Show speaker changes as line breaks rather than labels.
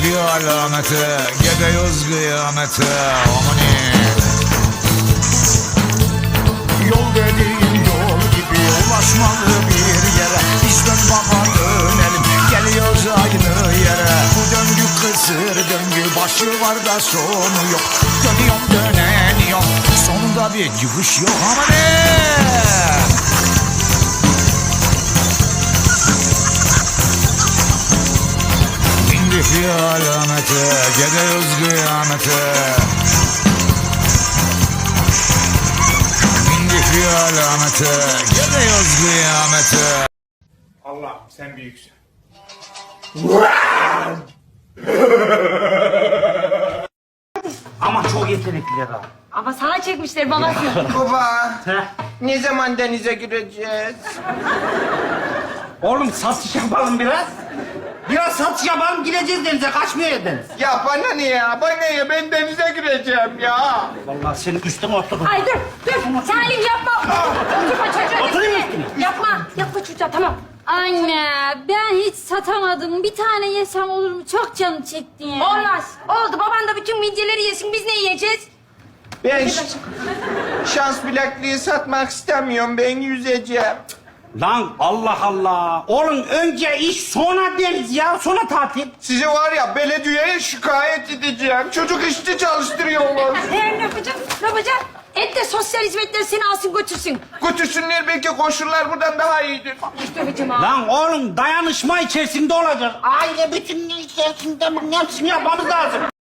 bir alamete, gidiyoruz kıyamete. Amani. Yol dediğin yol gibi ulaşmalı bir yere. Biz dön baba dönelim, geliyoruz aynı yere. Bu döngü kısır döngü, başı var da sonu yok. Dönüyorum döneniyorum, sonunda bir çıkış yok. Amani. Bir alamete, gidiyoruz kıyamete. Bindik bir alamete, gidiyoruz kıyamete.
Allah sen büyüksün.
Ama çok yetenekliler ha.
Ama sana çekmişler babası.
Baba,
Heh.
ne zaman denize gireceğiz?
Oğlum satış yapalım biraz. Biraz satış yapalım, gireceğiz denize, kaçmıyor deniz.
Ya bana ne ya? Bana ne? Ben denize gireceğim ya.
Vallahi senin üstüne oturdum.
Ay dur Salim yapma. Oturma çocuğa.
Oturayım
üstüne.
üstüne.
Yapma çocuğa tamam.
Anne ben hiç satamadım. Bir tane yesem olur mu? Çok canım çekti ya.
Olmaz. Oldu baban da bütün midyeleri yesin biz ne yiyeceğiz?
Ben şans bilekliği satmak istemiyorum. Ben yüzeceğim.
Lan Allah Allah. Oğlum önce iş sonra deniz ya, sonra tatil.
Sizi var ya belediyeye şikayet edeceğim. Çocuk işçi çalıştırıyorlar.
Ne yapacaksın? Ne yapacaksın? Et de sosyal hizmetler seni alsın götürsün.
Götürsünler belki koşullar buradan daha iyidir.
İşte hocam ha.
Lan oğlum dayanışma içerisinde olacak. Aile bütünlüğü içerisinde hepsini yapmamız lazım.